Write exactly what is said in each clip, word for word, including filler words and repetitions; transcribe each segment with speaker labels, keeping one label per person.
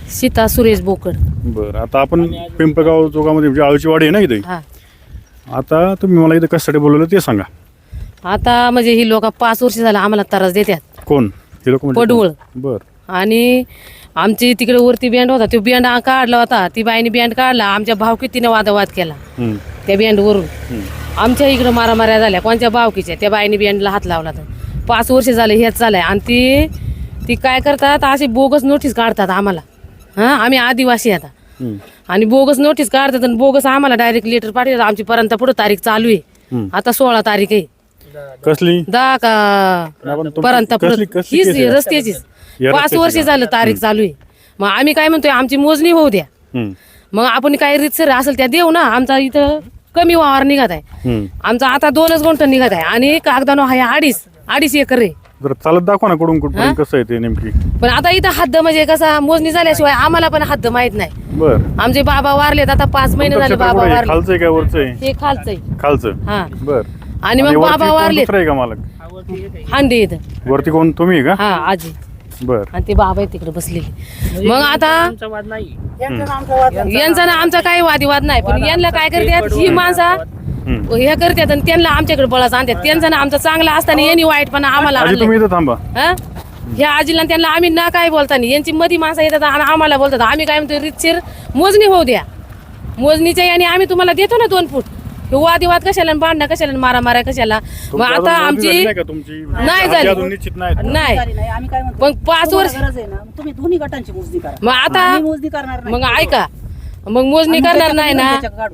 Speaker 1: सीता सुरेश बोकड.
Speaker 2: बरं, आता आपण पिंपळगाव चौकामध्ये म्हणजे आळूची वाडी आहे ना इथे.
Speaker 1: हा
Speaker 2: आता तुम्ही मला इथे कशासाठी बोलवलं ते सांगा.
Speaker 1: आता म्हणजे ही लोक पाच वर्ष झालं आम्हाला त्रास देतात.
Speaker 2: कोण हे लोक?
Speaker 1: पडवळ.
Speaker 2: बरं.
Speaker 1: आणि आमची तिकडे वरती बँड होता, तो बँड काढला होता, ती बाईने बँड काढला, आमच्या भावकीतीने वादवाद केला त्या बँड वरून. आमच्या इकडे मारामाऱ्या झाल्या कोणत्या भावकीच्या, त्या बाईने बँडला हात लावला. तर पाच वर्ष झाले हेच चालय. आणि ती ती काय करतात, अशी बोगस नोटीस काढतात आम्हाला. हां आम्ही आदिवासी आता, आणि बोगस नोटीस काढतात आणि बोगस आम्हाला डायरेक्ट लेटर पाठवतात. आमची पर्यंत पुढे तारीख चालू आहे, आता सोळा तारीख आहे.
Speaker 2: कसली?
Speaker 1: दहा का पर्यंत हीच रस्त्याचीच पाच वर्ष झालं तारीख चालू आहे. मग आम्ही काय म्हणतोय, आमची मोजणी होऊ द्या, मग आपण काय रीतसर असेल त्या देऊ ना. आमचा इथं कमी वावर निघत आहे, आमचा आता दोनच गुंठ निघत आहे, आणि कागदानो आहे अडीच अडीच एकर आहे.
Speaker 2: जर चालत दाखवा ना कुठून कुठून कसं आहे ते नेमकी.
Speaker 1: पण आता इथं हद्द म्हणजे कसा मोजणी झाल्याशिवाय आम्हाला पण हद्द माहित नाही.
Speaker 2: बरं.
Speaker 1: आमचे बाबा वारलेत, आता पाच महिने झाले बाबा वारले.
Speaker 2: खालचं काय वरचं आहे?
Speaker 1: हे खालचंय.
Speaker 2: खालचं.
Speaker 1: हा.
Speaker 2: बर.
Speaker 1: आणि मग बाबा वारले
Speaker 2: आहे का मालक?
Speaker 1: हांडे इथं
Speaker 2: वरती कोण, तुम्ही का?
Speaker 1: हा आजी.
Speaker 2: बर.
Speaker 1: आणि ते बाबा आहे तिकडे बसलेले. मग आता यांचा ना आमचा काही वादिवाद नाही, पण यांना काय करतात ही माणसं हे करतात आणि त्यांना आमच्याकडे बळाच आणतात. त्यांचा ना आमचा चांगला असताना यांनी वाईटपणा आम्हाला आणलं.
Speaker 2: तुम्ही इथं थांबा.
Speaker 1: हा ह्या आजीला त्यांना आम्ही ना काय बोलताना यांची मधी माणसं येतात आणि आम्हाला बोलतात. आम्ही काय म्हणतो, रीतशीर मोजणी होऊ द्या. मोजणीच्या याने आम्ही तुम्हाला देतो ना दोन फूट. वादिवाद कशाला, भांडणं कशाला, मारा मारा कशाला. मग आता आमची नाही झाली नाही, पण पाच वर्ष
Speaker 3: तुम्ही दोन्ही गटांची मोजणी करा.
Speaker 1: मग आता
Speaker 3: मोजणी करणार नाही.
Speaker 1: मग ऐका, मग मोजणी करणार नाही ना.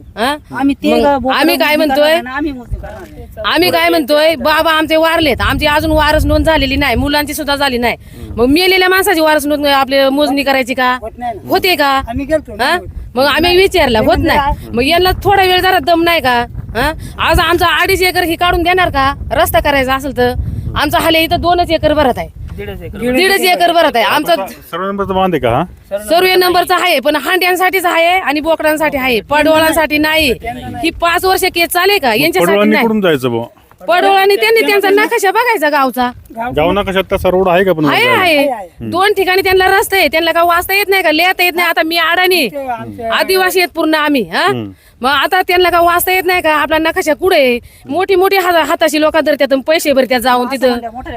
Speaker 1: आम्ही काय म्हणतोय, आम्ही काय म्हणतोय बाबा आमचे वारलेत, आमची अजून वारस नोंद झालेली नाही, मुलांची सुद्धा झाली नाही. मग मेलेल्या माणसाची वारस नोंद आपले मोजणी करायची का? होते का? मग आम्ही विचारला, होत नाही. मग यांना थोडा वेळ जरा दम नाही का? आज आमचा अडीच एकर ही काढून देणार का? रस्ता करायचा असेल तर आमचा हाले इथं दोनच एकर भरत आहे, दीडच एकर भरत आहे. आमचा
Speaker 2: सर्व नंबरचा बांध आहे का?
Speaker 1: सर्व नंबरचा आहे, पण हांड्यांसाठीच आहे आणि बोकडांसाठी आहे, पडवळांसाठी नाही. ही पाच वर्ष केस चाले का? यांच्यासाठी नाही.
Speaker 2: कुठून जायचं बुवा?
Speaker 1: पडवळांनी त्यांनी त्यांचा नकाशा बघायचा गावचा.
Speaker 2: गाव नकाशात तसा रोड आहे का? पण
Speaker 1: आहे आहे दोन ठिकाणी त्यांना रस्ता आहे. त्यांना का वाचता येत नाही का, लिहिता येत नाही? आता मी अडाणी आदिवासी आहेत पूर्ण आम्ही. हा मग आता त्यांना का वाचता येत नाही का? आपला नकाशा कुठे? मोठी मोठी हाताशी लोक धरतात, पैसे भरतात जाऊन तिथं.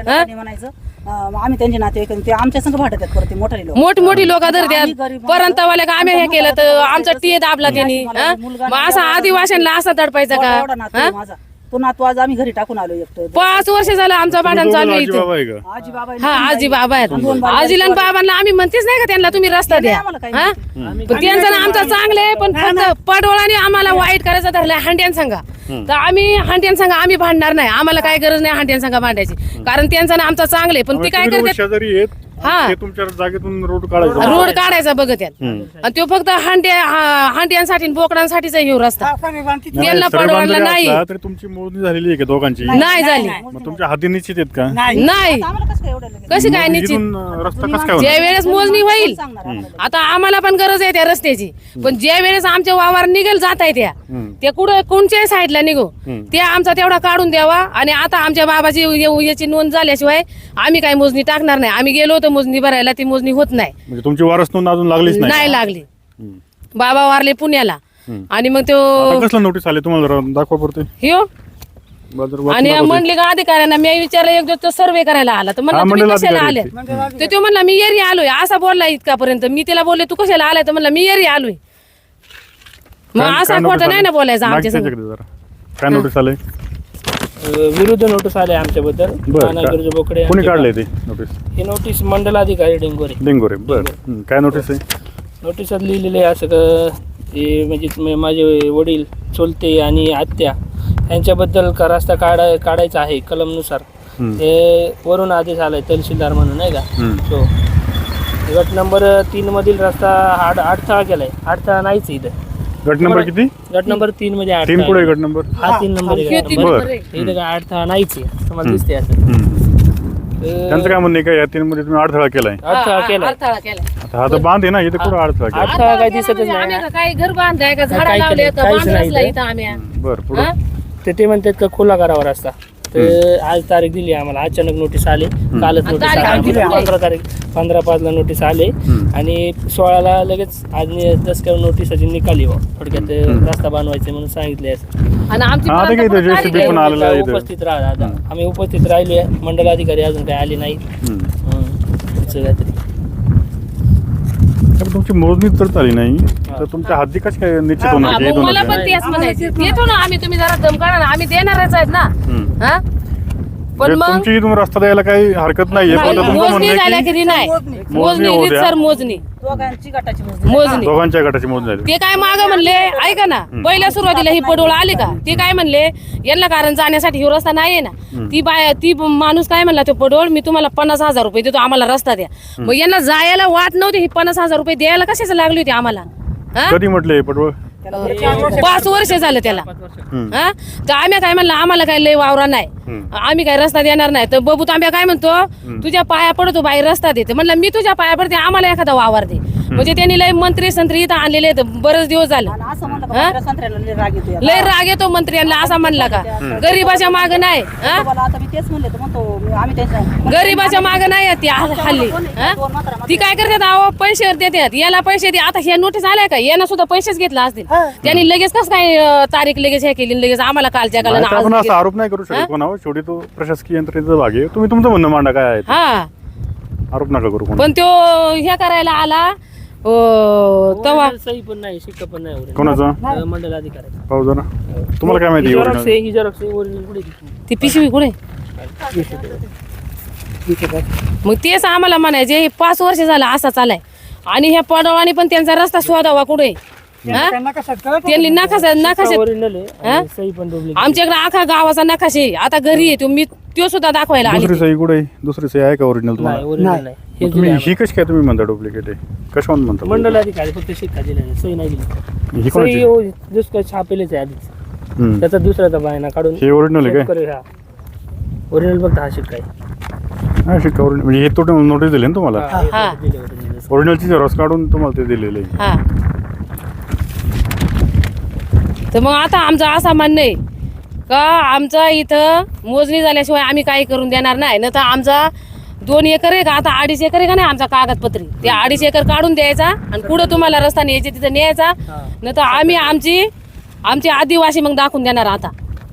Speaker 3: आम्ही त्यांचे नाते ते आमच्या संघ भाटतात परत मोठाले लोक,
Speaker 1: मोठी मोठी लोक धरतात. परंतवाल्या का आम्ही हे केलं तर आमचा टी दाबला त्यांनी. मग असा आदिवासींना असा दडपायचा का?
Speaker 3: तो नातू आज आम्ही घरी टाकून आलो एकटं.
Speaker 1: पाच वर्ष झालं आमचा भांडण चालू आहे इथं.
Speaker 3: आजी बाबा
Speaker 1: हा आजी बाबा आहेत. आजीला आणि बाबांना आम्ही म्हणतेच नाही का त्यांना तुम्ही रस्ता द्या. हा पण त्यांचा ना आमचा चांगले आहे, पण फक्त पडवळाने आम्हाला वाईट करायचं धरलंय हांड्यान सांगा. तर आम्ही हांड्यान सांगा आम्ही भांडणार नाही. आम्हाला काय गरज नाही हांड्यान सांगा भांडायची, कारण त्यांचा ना आमचा चांगले. पण ती काय करतात, हा
Speaker 2: तुमच्या जागेतून रोड काढायचा
Speaker 1: रोड काढायचा बघत आहेत. आणि तो फक्त हांड्या हांड्यांसाठी बोकडांसाठी हे रस्ता त्यांना पडवळला नाही.
Speaker 2: तुमची मोजणी झालेली आहे का दोघांची?
Speaker 1: नाही झाली.
Speaker 2: मग तुमच्या हाती निश्चित आहेत का?
Speaker 1: नाही. कशी काय निश्चित?
Speaker 2: रस्ता कसं काय?
Speaker 1: ज्या वेळेस मोजणी होईल, आता आम्हाला पण गरज आहे त्या रस्त्याची, पण ज्या वेळेस आमच्या वावर निघेल जात आहे त्या त्या कुठे कोणत्याही साईडला निघो त्या आमचा तेवढा काढून द्यावा. आणि आता आमच्या बाबाची याची नोंद झाल्याशिवाय आम्ही काही मोजणी टाकणार नाही. आम्ही गेलो होतो मोजणी भरायला, ती मोजणी होत नाही.
Speaker 2: म्हणजे तुमची वारस नोंद अजून लागलीच नाही?
Speaker 1: नाही लागली. बाबा वारले पुण्याला. आणि मग तो
Speaker 2: कसला नोटीस आले तुम्हाला दाखवा पडते
Speaker 1: ह्यो. आणि म्हणले का अधिकाऱ्यांना मी विचारलं, एक दिवस सर्वे करायला आला तर म्हणला तुम्ही कशाला आले? तर तो म्हणला मी एरी आलोय, असा बोलला इतकापर्यंत. मी तिला बोलले तू कशाला आलाय? तर म्हणला मी एरी आलोय. मग असा खोटा नाही ना बोलायचा आमच्या संग.
Speaker 2: काय नोटीस आले?
Speaker 4: विरुद्ध नोटीस आले आमच्याबद्दल. बोकडे
Speaker 2: कोणी काढले ते नोटीस?
Speaker 4: ही नोटीस मंडलाधिकारी डेंगोरे.
Speaker 2: डेंगोरे. बरं. काय नोटीस आहे?
Speaker 4: नोटीसात लिहिलेले आहे असं का, हे म्हणजे माझे वडील चुलते आणि आत्या यांच्याबद्दल का रस्ता काढाय काढायचा आहे कलमनुसार. हे वरून आदेश आलाय तहसीलदार म्हणून नाही का. तो गट नंबर तीन मधील रस्ता आठ अडथळा केलाय. अडथळा नाहीच इथं.
Speaker 2: गट नंबर किती?
Speaker 4: गट नंबर तीन मध्ये
Speaker 2: तीन पुढे गट नंबर.
Speaker 4: हा तीन नंबर इथं काय अडथळा नाहीच आहे तुम्हाला दिसते असं.
Speaker 2: त्यांचं काय म्हणणं का या तीन मध्ये तुम्ही अडथळा केलाय?
Speaker 4: अडथळा केलाय.
Speaker 2: हा तर बांध आहे ना इथे, कुठं अडथळा केला?
Speaker 4: अडथळा काय दिसतच नाही.
Speaker 1: काही घर बांधाय का झाडा लावले का बांधला इथं आम्ही.
Speaker 2: बरं. पुढे
Speaker 4: ते ते म्हणतात का खुला करावा रस्ता. तर आज तारीख दिली आम्हाला, अचानक नोटीस आले, कालच नोटीस
Speaker 1: तारीख
Speaker 4: आली
Speaker 1: दिली
Speaker 4: आम्हाला. पंधरा तारीख पंधरा पाचला नोटीस आले आणि सोळाला लगेच आज दसक्या नोटीसाची निकाली बा थोडक्यात रस्ता बनवायचे म्हणून सांगितले.
Speaker 1: आणि आमची
Speaker 2: हा, ते काय ते जे सी बी पण आलेलं आहे इथं.
Speaker 4: उपस्थित राहा आता, आम्ही उपस्थित राहिलो, मंडलाधिकारी अजून काही आले नाही. काहीतरी
Speaker 2: तर तुमची मोजणी तर झाली नाही तर तुमच्या हद्दी कशी काय निश्चित
Speaker 1: हा,
Speaker 2: होणार
Speaker 1: मग
Speaker 2: येतो
Speaker 1: मला
Speaker 2: ना
Speaker 1: पण तेच म्हणायचं, देतो ना आम्ही, तुम्ही जरा दम काढा ना, आम्ही देणारच आहेत ना. हा पण मग
Speaker 2: तुमची इथून रस्ता द्यायला काही हरकत नाहीये पण तुमचं म्हणणं
Speaker 1: मोजणी
Speaker 2: आहे
Speaker 1: झाल्या
Speaker 2: की
Speaker 1: की नाही, मोजणी
Speaker 2: होऊ द्या.
Speaker 1: सर मोजणी
Speaker 3: दोघांची गटाची मोजणी.
Speaker 1: मोजणी
Speaker 2: दोघांच्या गटाची मोजणी झाली.
Speaker 1: ते काय माग म्हणले, ऐका ना, पहिल्या सुरुवातीला ही पडोळ आली का, ते काय म्हणले यांना कारण जाण्यासाठी ह्यो रस्ता नाहीये ना, ती बाय ती माणूस काय म्हणला, तो पडोळ मी तुम्हाला पन्नास हजार रुपये देतो, आम्हाला रस्ता द्या. मग यांना जायला वाट नव्हती, ही पन्नास हजार रुपये द्यायला कशाच लागली होती आम्हाला? हा?
Speaker 2: कधी म्हटले पटवळ
Speaker 1: पाच वर्ष झालं त्याला. हा तर आम्ही काय म्हणलं, आम्हाला काय लय वावरा नाही, आम्ही काय रस्ता देणार नाही. तर बबू तांब्या काय म्हणतो, तुझ्या पाया पडतो बाई रस्ता देते. म्हणलं मी तुझ्या पाया पडते, आम्हाला एखादा वावर दे. म्हणजे त्यांनी लय मंत्री संत्री इथं आणलेले आहेत, बरेच दिवस झाले.
Speaker 3: आणि असं म्हणलं का मंत्र्या संत्र्याला लय राग येतो याला.
Speaker 1: लय राग येतो मंत्र्यांना, असा म्हणला का गरीबाच्या माग नाही. हा?
Speaker 3: तुम्हाला आता मी तेच म्हणले तर म्हणतो मी- आम्ही त्यांच्या
Speaker 1: गरीबाच्या माग नाही आहेत ती हल्ली. हा? ती काय करतात, अहो पैसे देतात, याला पैसे दे. आता हे नोटीस आलाय का, यानं सुद्धा पैसेच घेतला असतील. त्यांनी लगेच कसं काय अं, तारीख लगेच हे केली, लगेच आम्हाला कालच्या काला
Speaker 2: नाही, आपण असा आरोप नाही करू शकत कोणावर, शेवटी तो प्रशासकीय यंत्रणेचा भाग आहे. तुम्ही तुमचं म्हणणं मांडा काय आहे ते.
Speaker 1: हा
Speaker 2: आरोप नका करू कोणा.
Speaker 1: पण तो हे करायला आला अं, तेव्हा
Speaker 4: सही पण नाही, शिक्का पण नाही ओरिजिनल.
Speaker 2: कोणाचा
Speaker 4: मंडलाधिकारी
Speaker 2: पाहू जरा तुम्हाला काय माहिती
Speaker 4: झेरॉक्स
Speaker 2: original?
Speaker 4: आहे, ही झेरॉक्स आहे, ओरिजिनल कुठे आहे ती?
Speaker 1: ती पिशवी कुठे? मग तेच आम्हाला म्हणायचे, हे पाच वर्ष झालं असा चालाय आणि ह्या पडवानी पण त्यांचा रस्ता शोधावा कुठे. हा? त्यांनी नकाशा नकाशा
Speaker 4: ओरिजिनल आहे आणि सही पण डुप्लिकेट.
Speaker 1: आमच्याकडे आखा गावाचा नकाशे आहे. आता घरी आहे तो, मी तो सुद्धा दाखवायला आली.
Speaker 2: दुसरी सही कुठे आहे? दुसरी सही आहे का ओरिजिनल
Speaker 4: नाही,
Speaker 2: तुम्हाला?
Speaker 4: ओरिजिनल नाही. हे
Speaker 2: मग तुम्ही
Speaker 4: दिलंय
Speaker 2: ही कशी काय तुम्ही म्हणता डुप्लिकेट आहे कशावर म्हणता
Speaker 4: आम्हाला. मंडलाधिकारी फक्त शिक्का दिलेला, सही नाही दिली.
Speaker 2: ही कोणाची?
Speaker 4: सही दुसरं छापेलेच आहे आधीच,
Speaker 2: हम्म.
Speaker 4: त्याचा दुसऱ्याचा बायना काढून
Speaker 2: हे ओरिजिनल आहे काय?
Speaker 4: शेतकरी हा ओरिजिनल फक्त हा शिक्का आहे.
Speaker 2: हा शिक्का ओरिजिनल म्हणजे हे तो नोटीस दिली ना तुम्हाला
Speaker 4: हा, हे
Speaker 1: हा.
Speaker 4: दिले original.
Speaker 2: ओरिजिनलची झेरॉक्स काढून तुम्हाला ते दिलेलं आहे.
Speaker 1: हा तर मग आता आमचं असं म्हणणं आहे का, आमचा इथं मोजणी झाल्याशिवाय आम्ही काही करून देणार नाही. न तर आमचा दोन एकर आहे का, आता अडीच एकर आहे का नाही आमचा कागदपत्री, ते अडीच एकर काढून द्यायचा आणि पुढं तुम्हाला रस्ता न्यायचे तिथं न्यायचा. न तर आम्ही आमची आमची आदिवासी मग दाखवून देणार. आता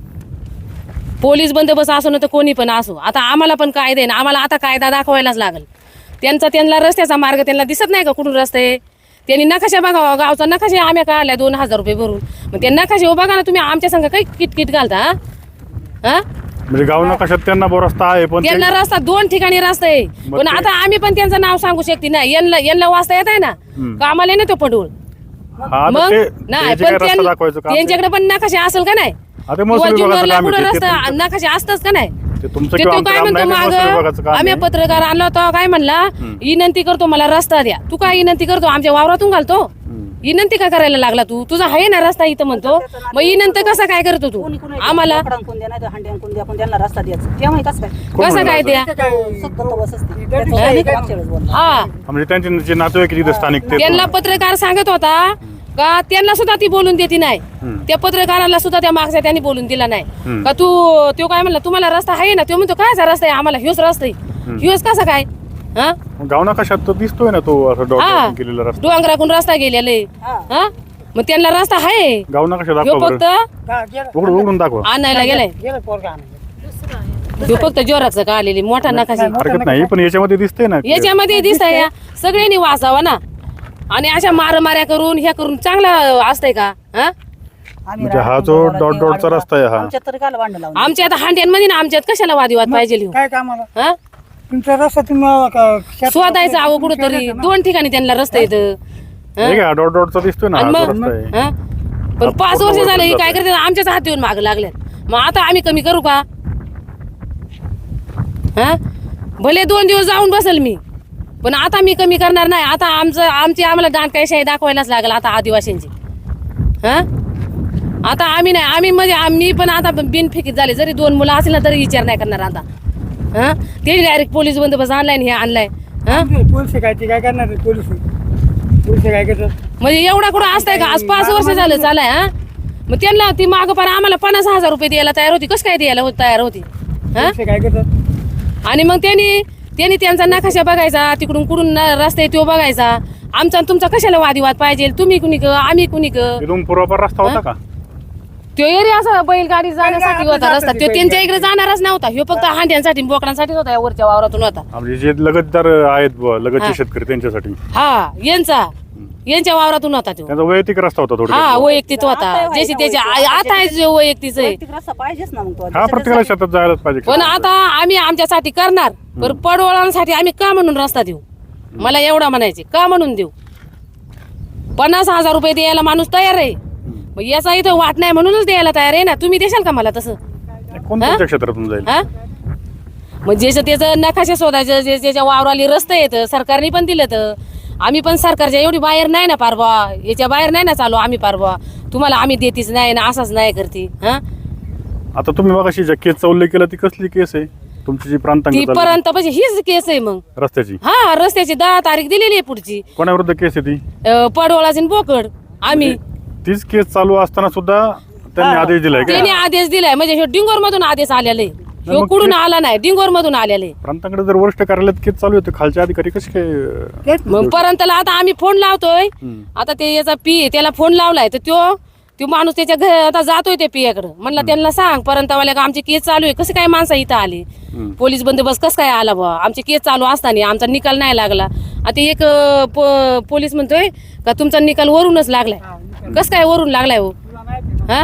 Speaker 1: पोलीस बंदोबस्त असो ना तर कोणी पण असो, आता आम्हाला पण कायदे ना, आम्हाला आता कायदा दाखवायलाच लागेल. त्यांचा त्यांना रस्त्याचा मार्ग त्यांना दिसत नाही का कुठून रस्ता आहे. त्यांनी नकाशा बघावा, गावचा नकाशा आम्ही काढलाय दोन हजार रुपये भरून. मग ते नकाशा बघा ना तुम्ही, आमच्या संग काही किटकिट घालता. हा? हा
Speaker 2: म्हणजे गाव नकाशात त्यांना बो रस्ता आहे पण ते-
Speaker 1: त्यांना रस्ता दोन ठिकाणी रस्ता आहे,
Speaker 2: मग
Speaker 1: पण
Speaker 2: ते-
Speaker 1: आता आम्ही पण त्यांचं नाव सांगू शकते ना. यांना यांना वाचता येत आहे ना, का आम्हाला नाही तो पडूळ.
Speaker 2: हा तर
Speaker 1: मग
Speaker 2: ते
Speaker 1: नाही
Speaker 2: ते जे
Speaker 1: पण
Speaker 2: काय रस्ता
Speaker 1: त्यां-
Speaker 2: दाखवायचं काम
Speaker 1: त्यांच्याकडे पण नकाशा असेल का नाही,
Speaker 2: आता
Speaker 1: किंवा
Speaker 2: महसूल विभागाचं
Speaker 1: जुन्नरला
Speaker 2: काम आहे
Speaker 1: कुठं
Speaker 2: ते. ते
Speaker 1: रस्ता
Speaker 2: तुमचं-
Speaker 1: नकाशा असतच का नाही.
Speaker 2: ते तुमचं
Speaker 1: ते
Speaker 2: किंवा
Speaker 1: तू
Speaker 2: आमचं
Speaker 1: काय
Speaker 2: काम
Speaker 1: म्हणतो
Speaker 2: नाही, ते महसूल विभागाचं
Speaker 1: माग
Speaker 2: काम
Speaker 1: आम्ही
Speaker 2: आहे.
Speaker 1: पत्रकार आणला होता, काय म्हणला विनंती करतो मला रस्ता द्या. तू काय विनंती करतो, आमच्या वावरातून घालतो विनंती का करायला लागला तू, तुझा आहे ना रस्ता इथं म्हणतो, मग विनंती कसा काय करतो तू
Speaker 3: कोणी कोणी
Speaker 1: आम्हाला,
Speaker 3: लाकडांना कोण द्या नाही तर हांड्यान कोण द्या, पण त्यांना रस्ता द्यायचा तेव्हा कसं काय
Speaker 1: कसं काय द्या.
Speaker 3: सतत बस असते त्याचं नाही का मागच्या वेळेस बोलला.
Speaker 1: हा
Speaker 2: म्हणजे त्यांचे जे नातेवाईक तिथे स्थानिक ते
Speaker 1: त्यांना पत्रकार सांगत होता का त्यांना सुद्धा ती बोलून देते नाही. त्या पत्रकाराला सुद्धा त्या मागच्या त्यांनी बोलून दिला नाही का, तू तो काय म्हणला तुम्हाला रस्ता आहे ना, तो म्हणतो कायचा रस्ता आहे, आम्हाला ह्योच रस्ता आहे, ह्योच कसा काय. हा
Speaker 2: गाव नकाशात तो दिसतोय ना तो असं
Speaker 1: हा
Speaker 2: डॉट केलेला रस्ता
Speaker 1: डोंगराकून रस्ता गेलेला आहे. हा मग त्यांना रस्ता आहे,
Speaker 2: गाव नकाशा
Speaker 1: ह्यो
Speaker 2: दाखवा
Speaker 1: फक्त
Speaker 2: बरं उघडून उघडून दाखवा.
Speaker 1: आणायला गेलाय, ह्यो फक्त जोराचं का आलेली मोठा नकाशा.
Speaker 2: हरकत नाही पण याच्यामध्ये दिसतंय ना
Speaker 1: याच्यामध्ये दिसतंय सगळ्यांनी वाचावा ना, आणि अशा मारमाऱ्या करून ह्या करून चांगलं असतंय का. हा
Speaker 3: आम्ही
Speaker 2: म्हणजे हा
Speaker 3: राहतो
Speaker 2: जो
Speaker 3: घरात
Speaker 2: डॉट
Speaker 3: ते
Speaker 2: डॉटचा रस्ता आहे हा.
Speaker 3: आमच्यात तरी काल भांडण लावून
Speaker 1: आमच्या आता हांड्यांमध्ये ना, आमच्यात कशाला वादिवाद पाहिजे लिहून.
Speaker 5: काय कामाला
Speaker 1: हा
Speaker 5: तुमचा रस्ता तुम्ही
Speaker 1: शोधायचं अहो कुठंतरी, दोन ठिकाणी त्यांना रस्ता येतं.
Speaker 2: हे काय डॉट डॉटचा दिसतोय ना
Speaker 1: आणि
Speaker 2: हा जो
Speaker 1: मग
Speaker 2: रस्ता आहे.
Speaker 1: हा? पण पाच वर्ष झालं हे काय करते, आमच्याच हात येऊन माग लागल्यात. मग आता आम्ही कमी करू का. हा भले दोन दिवस जाऊन बसेल मी, पण आता मी कमी करणार नाही. आता आमचं आमची आम्हाला दांडकायशाही दाखवायलाच लागेल आता आदिवासींची. हा आता आम्ही नाही, आम्ही म्हणजे आम्ही पण आता बिनफिकीत झाले, जरी दोन मुलं असतील ना तरी विचार नाही करणार आता. हा ते डायरेक्ट पोलीस बंदोबस्त आणलाय हे आणलाय. हा
Speaker 5: पोलीस काय ते काय करणार पोलीस पोलीस काय करतात.
Speaker 1: म्हणजे एवढा कुठं असतंय का, आज पाच वर्ष झालं चालाय. हा मग त्यांना ती माग पण आम्हाला पन्नास हजार रुपये द्यायला तयार होती, कसं काय द्यायला होत तयार होती.
Speaker 5: पोलिस काय करतात?
Speaker 1: आणि मग त्यांनी त्यांनी त्यांचा नकाशा बघायचा, तिकडून कुठून न- रस्ता आहे तो बघायचा. आमचा आणि तुमचा कशाला वादिवाद पाहिजे? तुम्ही कुणी क आम्ही कुणी क
Speaker 2: इथून पूर्वापार रस्ता होता का?
Speaker 1: तो एरिया असा बैलगाडी जाण्यासाठी होता रस्ता, तो त्यांच्या इकडे जाणारच नव्हता. ह्यो फक्त हांड्यांसाठी बोकडांसाठीच होता, या वरच्या वावरातून होता.
Speaker 2: म्हणजे जे लगतदार आहेत बुवा, लगतचे शेतकरी त्यांच्यासाठी
Speaker 1: हा यांचा यांच्या वावरातून होता तो.
Speaker 2: त्यांचा वैयक्तिक रस्ता होता
Speaker 1: हा
Speaker 2: थोडा.
Speaker 1: वैयक्तिक होता, ज्याची त्याच्या आता आहे जो वैयक्तिक आहे.
Speaker 3: वैयक्तिक रस्ता पाहिजेच ना मग तो.
Speaker 2: हा प्रत्येकाला शेतात जायलाच पाहिजे.
Speaker 1: पण आता आम्ही आमच्यासाठी करणार, पण पडवळांसाठी आम्ही का म्हणून रस्ता देऊ? मला एवढा म्हणायचे, का म्हणून देऊ? पन्नास हजार रुपये द्यायला माणूस तयार आहे, मग याचा इथं वाट नाही म्हणूनच द्यायला तयार आहे ना. तुम्ही देशाल का मला तसं?
Speaker 2: कोण तुमच्या क्षेत्रातून जाईल?
Speaker 1: हा मग ज्याचं त्याचं नकाशा शोधायचं, जे ज्याच्या वावराली रस्ते येतं सरकारने पण दिलं तर आम्ही पण सरकारच्या एवढी बाहेर नाही ना पारवा, याच्या बाहेर नाही ना चालू आम्ही पारवा. तुम्हाला आम्ही देतीच नाही ना, असाच नाही करते. हा
Speaker 2: आता तुम्ही बघा ज्या केसचा उल्लेख केला ती कसली केस आहे? तुमची जी
Speaker 1: ती
Speaker 2: प्रांतांगत
Speaker 1: पर्यंत म्हणजे हीच केस आहे. मग
Speaker 2: रस्त्याची
Speaker 1: हा रस्त्याची दहा तारीख दिलेली आहे पुढची.
Speaker 2: कोणाविरुद्ध केस आहे ती?
Speaker 1: अं, पडवळाची आणि बोकड आम्ही
Speaker 2: तीच केस चालू असताना सुद्धा त्यांनी आदेश दिलाय का?
Speaker 1: त्यांनी आदेश दिलाय, म्हणजे ह्यो डिंगोर मधून आदेश आलेले, ह्यो
Speaker 2: मग
Speaker 1: कुठून
Speaker 2: ते-
Speaker 1: आला नाही, डिंगोर मधून आलेले.
Speaker 2: प्रांतांकडे जर वरिष्ठ कार्यालयात केस चालू आहे, खालचे अधिकारी कसे काय?
Speaker 1: मग पर्यंतला आता आम्ही फोन लावतोय.
Speaker 2: हम्म.
Speaker 1: आता ते याचा पी आहे, त्याला फोन लावलाय तर तो तो माणूस त्याच्या घर आता जातोय त्या पियाकडे. म्हणलं त्यांना सांग पर्यंतवाल्या का आमची केस चालू आहे, कसं काय माणसं इथं आली,
Speaker 2: हम्म.
Speaker 1: पोलीस बंदोबस्त कसं काय आला बा, आमची केस चालू असताना आमचा निकाल नाही लागला. आता एक अं, पो- पोलीस म्हणतोय का तुमचा निकाल वरूनच लागलाय. कसं काय वरून लागलाय हो? हा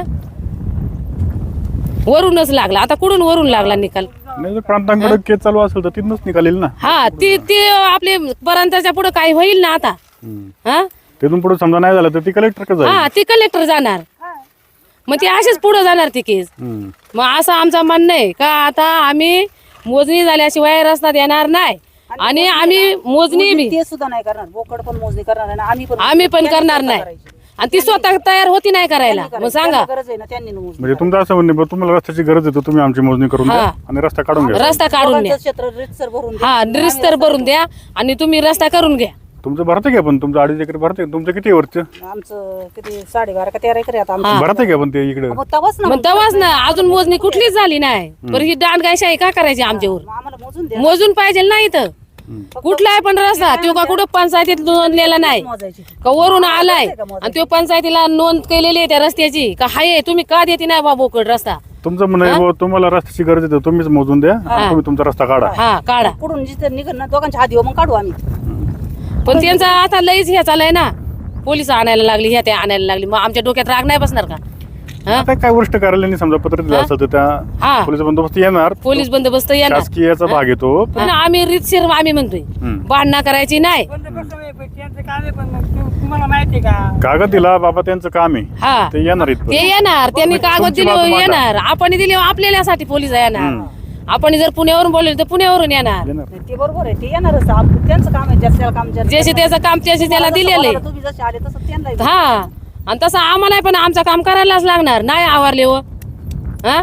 Speaker 1: वरूनच लागला. आता कुठून वरून लागला निकाल?
Speaker 2: नाही जर प्रांतांकडे केस चालू असेल तर तिथूनच निघालेल ना.
Speaker 1: हा ती ते आपले पर्यंतच्या पुढे काय होईल ना आता.
Speaker 2: हम्म.
Speaker 1: हा
Speaker 2: तिथून पुढे समजा नाही झालं तर ती कलेक्टर का जाईल?
Speaker 1: हा ती कलेक्टर जाणार, मग ती अशीच पुढे जाणार ती केस.
Speaker 2: हम्म.
Speaker 1: मग असं आमचं म्हणणं आहे का आता आम्ही मोजणी झाल्याशिवाय रस्ता देणार नाही, आणि आम्ही मोजणी बी
Speaker 3: ते सुद्धा नाही करणार. बोकड पण मोजणी करणार आहे ना, आम्ही पण
Speaker 1: आम्ही पण करणार नाही. आणि ती स्वतः तयार होती नाही करायला. मग सांगा,
Speaker 3: त्यांना गरज आहे ना, त्यांनी मोजणी
Speaker 2: म्हणजे तुमचं असं म्हणणे बा, तुम्हाला रस्त्याची गरज आहे तर तुम्ही आमची मोजणी करून द्या
Speaker 1: हा.
Speaker 2: आणि रस्ता काढून घ्या.
Speaker 1: रस्ता काढून द्या.
Speaker 3: दोघांचं क्षेत्र रितसर भरून द्या.
Speaker 1: हा रिस्तर भरून द्या आणि तुम्ही रस्ता करून घ्या.
Speaker 2: तुमचं भरते का पण? तुमचं अडीच एकर भरते? तुमचं किती वरचं
Speaker 3: आमचं किती साडेबारा का तेरा एकर आहे आता आमचं.
Speaker 2: भरते का पण ते इकडे?
Speaker 3: मग तवाच ना
Speaker 1: मग तेव्हाच ना, अजून मोजणी कुठलीच झाली नाही. बरं ही दांडगायशाही का करायची आमच्यावर?
Speaker 3: मग आम्हाला मोजून द्या.
Speaker 1: मोजून पाहिजे नाही तर कुठलाय पण रस्ता तो का कुठं पंचायतीत नोंदलेला नाही
Speaker 3: मोजायची.
Speaker 1: का वरून आलाय आणि तो पंचायतीला नोंद केलेली आहे त्या रस्त्याची का हाय, तुम्ही का देते नाही बाबा बोकड रस्ता?
Speaker 2: तुमचं म्हणणं आहे बुवा, तुम्हाला रस्त्याची गरज आहे तर तुम्हीच मोजून द्या, तुम्ही तुमचा रस्ता काढा.
Speaker 1: हा काढा.
Speaker 3: कुठून जिथे निघन ना दोघांच्या हात येऊ मग काढू आम्ही.
Speaker 1: पण त्यांचा आता लईच हे चालय ना, पोलीस आणायला लागली, ह्या त्या आणायला लागली. मग आमच्या डोक्यात राग नाही बसणार का? हा
Speaker 2: आता काय वरिष्ठ कार्यालयाने समजा पत्र दिलं असेल तर
Speaker 1: हा.
Speaker 2: त्या पोलीस बंदोबस्त येणार,
Speaker 1: पोलीस बंदोबस्त येणार.
Speaker 2: शासकीयचा भाग येतो.
Speaker 1: पण आम्ही रीतशीर आम्ही म्हणतोय
Speaker 2: हम्म.
Speaker 1: भांडणं करायची नाही.
Speaker 5: पण ते कसं आहे, पण त्यांचं काम आहे, पण मग तू- तुम्हाला माहिती आहे का?
Speaker 2: कागद दिला बाबा त्यांचं काम आहे,
Speaker 1: हा
Speaker 2: ते येणार इथं.
Speaker 1: ते येणार, त्यांनी
Speaker 2: तुमची
Speaker 1: कागद दिले
Speaker 2: बाजू मांडा.
Speaker 1: येणार, आपण दिले आपल्यासाठी पोलीस येणार.
Speaker 2: हम्म.
Speaker 1: आपण जर पुण्यावरून बोलले तर पुण्यावरून येणार.
Speaker 2: येणार.
Speaker 3: ते बरोबर आहे, ते येणारच. आप- त्यांचं काम आहे, ज्याचं त्याला काम ज्याचं
Speaker 1: ज्याचे
Speaker 3: त्याला
Speaker 1: त्याचं काम त्याचे त्याला
Speaker 3: जसं
Speaker 1: दिलेलं
Speaker 3: बोलायला
Speaker 1: आहे.
Speaker 3: तुम्ही जसे आले तसं त्यांना येतं.
Speaker 1: हा आणि तसं आम्हाला पण आमचं काम करायलाच लागणार. नाही आवारले हो हा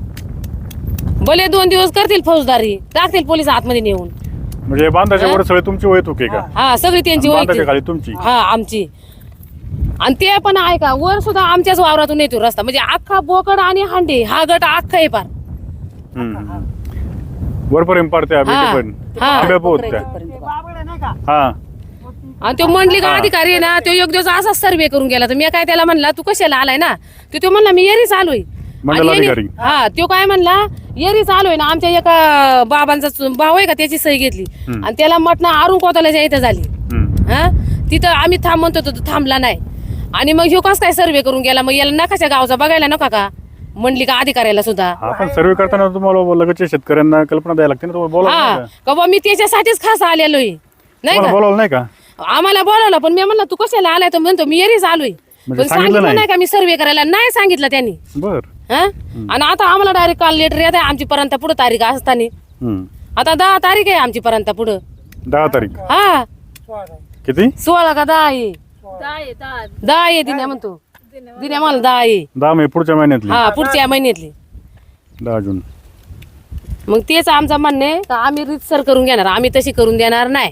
Speaker 1: भले दोन दिवस करतील फौजदारी, टाकतील पोलीस आतमध्ये नेऊन.
Speaker 2: म्हणजे बांधाच्या वर सगळे तुमची वय तुके का?
Speaker 1: हा सगळी त्यांची
Speaker 2: आणि बांधाच्या
Speaker 1: ओळख
Speaker 2: खाली तुमची.
Speaker 1: हा आमची. आणि ते पण आहे का वर सुद्धा आमच्याच वावरातून येतो रस्ता, म्हणजे अख्खा बोकड आणि हांडे हा गट अख्खा आहे पार.
Speaker 2: हम्म. वरपर्यंत पाडते
Speaker 1: हा.
Speaker 2: पण
Speaker 1: हा.
Speaker 2: आंब्या पोहोचत्या.
Speaker 3: तिथपर्यंत.
Speaker 5: बाबड आहे नाही का?
Speaker 2: हा
Speaker 1: आणि तो मंडलिका अधिकारी आहे ना, तो एक दिवस असाच सर्वे करून गेला. तर मी काय त्याला म्हणला तू कशाला आलाय ना, तर तो म्हणला मी येरी चालू आहे.
Speaker 2: मंडल
Speaker 1: आणि येरी-
Speaker 2: अधिकारी.
Speaker 1: हा तो काय म्हणला येरी चालू आहे ना, आमच्या एका बाबांचा चु- भाऊ आहे का त्याची सही घेतली
Speaker 2: हम्म.
Speaker 1: आणि त्याला म्हटलं आरून कोताल्याच्या इथं झाली.
Speaker 2: हम्म.
Speaker 1: हा तिथं आम्ही थांब म्हणतो तो थांबला नाही. आणि मग ह्यो कस काय सर्वे करून गेला? मग याला नकाशा गावचा बघायला नका का मंडलिका अधिकाऱ्याला सुद्धा?
Speaker 2: हा पण सर्वे करताना तुम्हाला लगतच्या शेतकऱ्यांना कल्पना द्यायला लागते ना, तुम्हाला बोलावलं
Speaker 1: हा
Speaker 2: नाही का?
Speaker 1: का बा मी त्याच्यासाठीच खास आलेलो आहे नाही
Speaker 2: तुम्हाला
Speaker 1: का?
Speaker 2: बोलावलं नाही का?
Speaker 1: आम्हाला बोलावलं पण मी म्हणलं तू कशाला आलाय? तर म्हणतो मी येरी चालू आहे.
Speaker 2: म्हणजे
Speaker 1: पण
Speaker 2: सांगितलं
Speaker 1: सांगितलं
Speaker 2: नाही?
Speaker 1: नाही का मी सर्वे करायला? नाही सांगितलं त्यांनी.
Speaker 2: बर.
Speaker 1: हा आणि आता आम्हाला डायरेक्ट काल लेटर येत आहे आमची पर्यंत पुढे तारीख असताना.
Speaker 2: हम्म.
Speaker 1: आता दहा तारीख आहे आमची पर्यंत पुढं.
Speaker 2: दहा तारीख
Speaker 1: हा
Speaker 2: किती?
Speaker 1: सोळा का दहा आहे? दहा आहे दिन्या म्हणतो. दिन्या मला दहा आहे.
Speaker 2: दहा मे पुढच्या महिन्यातली.
Speaker 1: हा पुढच्या महिन्यातली.
Speaker 2: दहा जून.
Speaker 1: मग तेच आमचं म्हणणं आहे का आम्ही रीतसर करून घेणार, आम्ही तशी करून देणार नाही.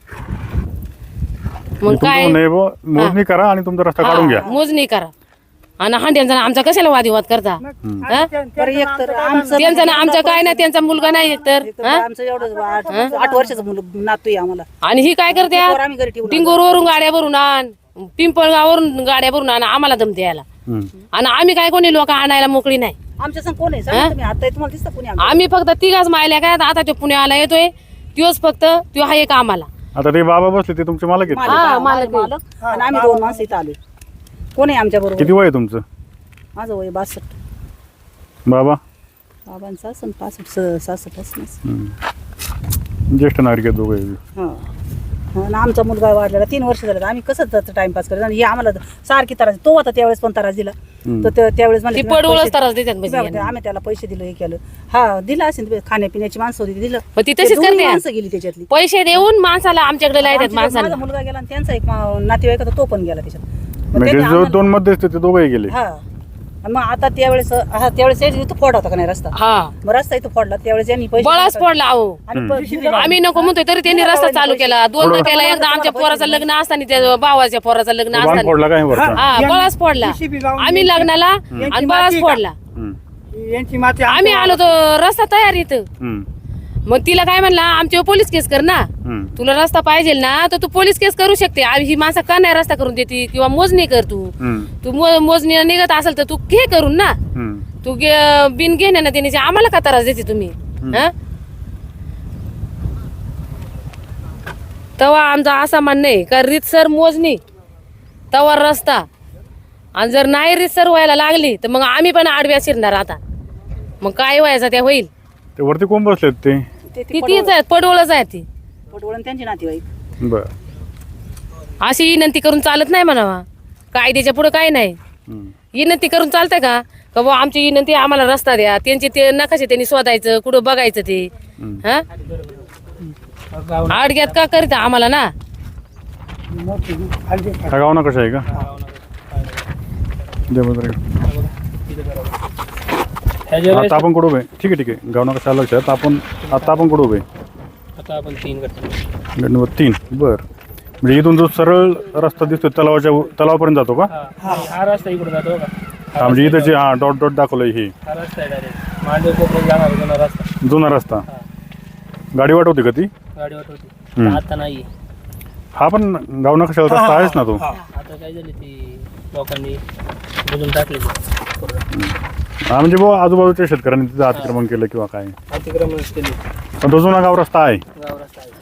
Speaker 1: मग
Speaker 2: तुमचं
Speaker 1: काय
Speaker 2: म्हणणं आहे बुवा, मोजणी करा आणि तुमचा रस्ता काढून घ्या.
Speaker 1: हा, मोजणी करा. आणि हांड्यांचा आमचा कशाला वादिवाद करता हा?
Speaker 3: बरं एक तर आमचं
Speaker 1: त्यांचा ना आमचा काय नाही, त्यांचा मुलगा नाही एकतर
Speaker 3: एक तर आमचं एवढं आठ आठ वर्षाचं मुलं नातू आहे आम्हाला
Speaker 1: आणि ही काय करते
Speaker 3: पोरं आम्ही घरी ठेवून
Speaker 1: टिंगूरवरून गाड्या भरून आण, पिंपळगावरून गाड्या भरून आण, आम्हाला दम द्यायला.
Speaker 2: हम्म.
Speaker 1: आणि आम्ही काय कोणी लोक आणायला मोकळी नाही.
Speaker 3: आमच्या संग कोण आहे सांगा तुम्ही आता तुम्हाला दिसतं कोणी आमच्या?
Speaker 1: आम्ही फक्त तिघाच मायल्या काय आता तो पुण्याला येतोय त्योच फक्त त्यो हा एक आम्हाला.
Speaker 2: आता ते बाबा बसले ते तुमचे मालक आहेत
Speaker 3: मालक,
Speaker 1: हा,
Speaker 3: हा,
Speaker 1: मालक
Speaker 3: मालक, मालक. आणि आम्ही दोन माणसं इथं आलोय. कोण आहे आमच्या बरोबर?
Speaker 2: किती वय आहे तुमचं
Speaker 3: माझं वय बासष्ट.
Speaker 2: बाबा?
Speaker 3: बाबांचा असं पासष्ट स- सासष्ट असणार.
Speaker 2: हम्म. ज्येष्ठ नागरिक आहेत दोघे.
Speaker 3: हा आणि आमचा मुलगा वाढलेला तीन वर्ष झालं आम्ही कसं त्याचं टाइमपास करायचं आणि हे आम्हाला सारखी त्रास तो होता त्यावेळेस पण त्रास दिला तर त्या- त्यावेळेस मला
Speaker 1: ती
Speaker 3: तुम्ही
Speaker 1: पडवळच
Speaker 3: पैसे-
Speaker 1: त्रास देतात म्हणजे
Speaker 3: तुम्ही आम्ही त्याला पैसे दिले हे केलं हा दिला असेल ते खाण्यापिण्याची माणसं होती दिलं
Speaker 1: मग ती
Speaker 3: ते
Speaker 1: तशीच
Speaker 3: दोन्ही
Speaker 1: करते.
Speaker 3: माणसं गेली त्याच्यातली
Speaker 1: पैसे देऊन माणसाला आमच्याकडे लायतात
Speaker 3: आमच्या-
Speaker 1: माणसाला.
Speaker 3: माझा मुलगा गेला आणि त्यांचा एक मा- नातेवाईक होता तो पण गेला त्याच्यात मग
Speaker 2: म्हणजे
Speaker 3: त्यांनी
Speaker 2: जो
Speaker 3: आम्हाला-
Speaker 2: दोन मध्यस्थ ते दोघेही गेले.
Speaker 3: हा आणि मग आता त्यावेळेस हा त्यावेळेस इथं फोड होता का नाही रस्ता
Speaker 1: हा
Speaker 3: मग रस्ता इथं फोडला त्यावेळेस यांनी पैसे
Speaker 1: बळाच पडला अहो.
Speaker 3: आणि प- दिलं-
Speaker 1: आम्ही नको म्हणतोय तरी त्यांनी रस्ता चालू केला. दोनदा केला, एकदा आमच्या पोराचं लग्न असताना त्या भावाच्या पोराचं लग्न
Speaker 2: बाण
Speaker 1: असताना
Speaker 2: फोडला काय वरचा?
Speaker 1: हा बळाच फोडला.
Speaker 5: JCB लावून
Speaker 1: आम्ही लग्नाला आणि बळाच फोडला.
Speaker 2: हम्म.
Speaker 5: यांची माती
Speaker 1: आम्ही आलो तो रस्ता तयार इथं.
Speaker 2: हम्म.
Speaker 1: मग तिला काय म्हणला आमच्यावर पोलीस केस कर ना.
Speaker 2: हम्म.
Speaker 1: तुला रस्ता पाहिजे ना तर तू पोलीस केस करू शकते. आ- ही माणसं का नाही रस्ता करून देते किंवा मोजणी कर तू.
Speaker 2: हम्म.
Speaker 1: तू मो- मोजणी निघत असेल तर तू घे करून ना.
Speaker 2: हम्म.
Speaker 1: तू घे- बिन घेण्यानं देण्याची आम्हाला का त्रास देते तुम्ही हा? तेव्हा आमचा असा म्हणणं आहे का रीतसर मोजणी तवा रस्ता आणि जर नाही रीतसर व्हायला लागली तर मग आम्ही पण आडव्या शिरणार आता. मग काय व्हायचं त्या होईल.
Speaker 2: ते वरती कोण बसलेत ते?
Speaker 3: ते-
Speaker 1: ती
Speaker 3: ते
Speaker 1: तीच आहे पडवळच आहे ती.
Speaker 3: पटवळ आणि त्यांची नातेवाईक
Speaker 2: बर.
Speaker 1: अशी विनंती करून चालत नाही म्हणावा. कायद्याच्या पुढे काय नाही.
Speaker 2: हम्म.
Speaker 1: विनंती करून चालतंय का का बुवा आमची विनंती आम्हाला रस्ता द्या. त्यांचे ते नकाशे त्यांनी शोधायचं कुठं बघायचं ते
Speaker 2: हम्म.
Speaker 1: हा
Speaker 4: गाव
Speaker 1: आडग्यात का करीत आम्हाला ना.
Speaker 5: मोठी हलदी
Speaker 2: हा गाव ना कशा आहे का? जय भद्र.
Speaker 4: ह्याच्या
Speaker 2: आता आपण कुठं उभे? ठीक आहे ठीक आहे. गाव ना कशा लक्षात आपण आता आपण कुठं उभे?
Speaker 4: आता आपण तीन करतो.
Speaker 2: गट नंबर तीन. बर. म्हणजे इथून जो सरळ रस्ता दिसतो तलावाच्या तलावापर्यंत जातो का?
Speaker 4: हा हा रस्ता इकडे जातो का?
Speaker 2: हा म्हणजे इथं जे हा डॉट डॉट दाखवलंय हे
Speaker 4: हा रस्ता आहे डायरेक्ट मांडव कोपऱ्यात जाणार जुना रस्ता.
Speaker 2: जुना रस्ता. गाडी वाट होती का ती?
Speaker 4: गाडी वाट होती.
Speaker 2: हम्म.
Speaker 4: आता नाही.
Speaker 2: हा पण गाव ना कशाला रस्ता आहेच ना तो.
Speaker 4: आता काय झाली ती लोकांनी बुजून टाकली.
Speaker 2: हा म्हणजे बुवा आजूबाजूच्या शेतकऱ्यांनी तिथं अतिक्रमण केलं किंवा काय.
Speaker 4: अतिक्रमण केली.
Speaker 2: पण तो जुना गाव रस्ता आहे.
Speaker 4: गाव रस्ता आहे.